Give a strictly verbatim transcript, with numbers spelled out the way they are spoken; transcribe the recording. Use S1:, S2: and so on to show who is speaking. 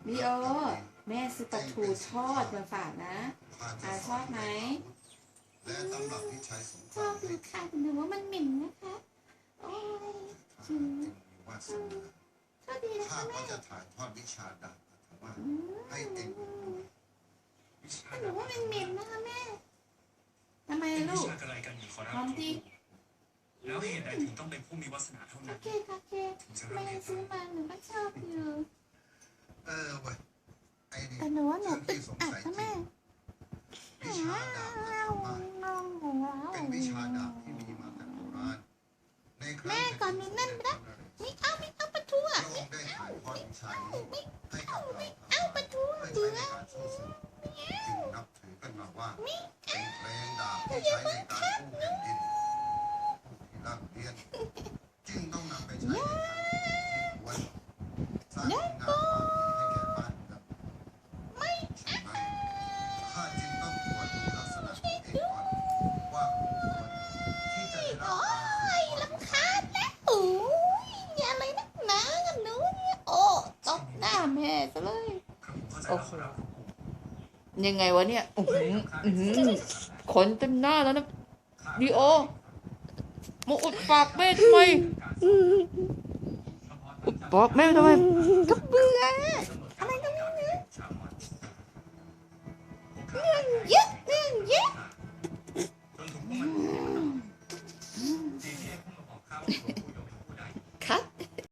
S1: ลีโอแม่ซื้อปลาทูทอดมาฝากนะอาชอบไหมชอบดูค่ะหนูว่ามันเหม็นนะคะโอ้ยจริงชอบดีนะคะแม่จะถ่ายทอดวิชาดาบให้เองหนูว่ามันเหม็นนะคะแม่ทำไมลูกพร้อมดี
S2: แล้วเหตุใดถึงต้องเป็นผู้มีวาสนาเท่านั้น
S1: โอเคโอเคแม่ซื้อมาหนูก็ชอบอยู่
S3: เออเว้ยไอ้นี่
S1: แต่หนูว่าหนูอึดอัดนะแม่
S3: วิชาดาบเป็นวิชาดาบที่มีมาแต่โบราณในครั้ง
S1: แม่ก่อนหนูนั่นไปแล้วไม่เอาไม่เอาปลาทูอ่ะ
S3: พระองค์ได้ถ่ายทอดวิชานี้ให้กับเรา
S1: เอาปลาทู
S3: เพื่อ
S1: เดื
S3: ใช้
S1: อ
S3: ในการสู้ศึกจึงนับถือกันมาว่าเป็นแรงดาบที่ใช้ในการกู้แผ่นดินที่ร่ำเรียนจึงต้องนำไปใช้ในทางที่ควรสร้างงานความดีให้แก่บ้านเมืองไม่ใช่ไหมข้าจึงต้องตรวจดูลักษณะของเอกก่อนว่าคู่ควรที่จะได้รับ
S1: โอ้
S3: การสืบทอด
S1: ยลำคาญแล้วโอ้ยอย่าอะไรนักหนากับหนูเนี่ยโอ้ตบหน้าแม่ซะเลยโอ้โหยังไงวะเนี่ยอื้อหืออื้อหือขนเต็มหน้าแล้วนะลีโอมาอุดปากแม่ทำไมอุดปากแม่ทำไมก็เบื่อ